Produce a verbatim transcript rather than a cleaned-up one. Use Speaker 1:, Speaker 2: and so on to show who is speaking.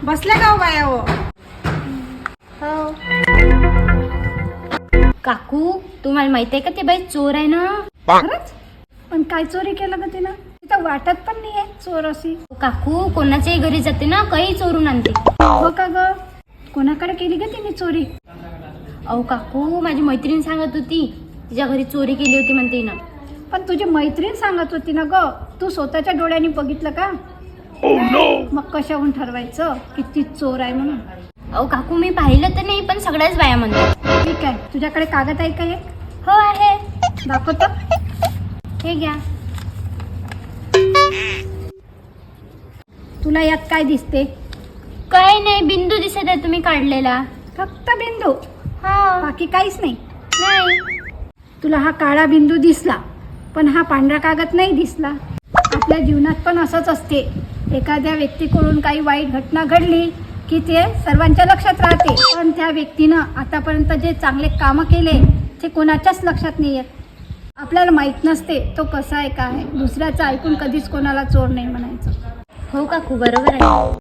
Speaker 1: बसल्या का हो बाया हो?
Speaker 2: हो काकू, तुम्हाला माहित आहे का ते बाई चोर आहे ना?
Speaker 1: खरंच? पण काय चोरी केलं ग तिनं? तिथं वाटत पण नाहीये चोर अशी.
Speaker 2: काकू कोणाच्याही घरी जाते ना, काही चोरून आणते.
Speaker 1: हो का ग? कोणाकडे केली ग तिने चोरी?
Speaker 2: अहो काकू, माझी मैत्रीण सांगत होती तिच्या घरी चोरी केली होती म्हणते ना.
Speaker 1: पण तुझी मैत्रीण सांगत होती ना ग, तू स्वतःच्या डोळ्यांनी बघितलं का? मग कशाहून ठरवायचं किती चोर आहे म्हणून?
Speaker 2: अहो काकू, मी पाहिलं तर नाही, पण सगळ्याच बाया म्हणतात.
Speaker 1: ठीक आहे, तुझ्याकडे कागद आहे का एक?
Speaker 2: हो आहे.
Speaker 1: दाखवतो.
Speaker 2: हे घ्या.
Speaker 1: तुला यात काय दिसते?
Speaker 2: काय नाही, बिंदू दिसत आहे तुम्ही काढलेला.
Speaker 1: फक्त बिंदू,
Speaker 2: हा.
Speaker 1: बाकी काहीच नाही.
Speaker 2: नाही.
Speaker 1: तुला हा काळा बिंदू दिसला, पण हा पांढरा कागद नाही दिसला. आपल्या जीवनात पण असंच असते. एखाद्या व्यक्तीकडून काही वाईट घटना घडली की ते सर्वांच्या लक्षात राहते, पण त्या व्यक्तीनं आतापर्यंत जे चांगले कामं केले ते कोणाच्याच लक्षात नाही येत. आपल्याला माहीत नसते तो कसा आहे काय आहे. दुसऱ्याचं ऐकून कधीच कोणाला चोर नाही म्हणायचं.
Speaker 2: हो काकू, बरोबर आहे.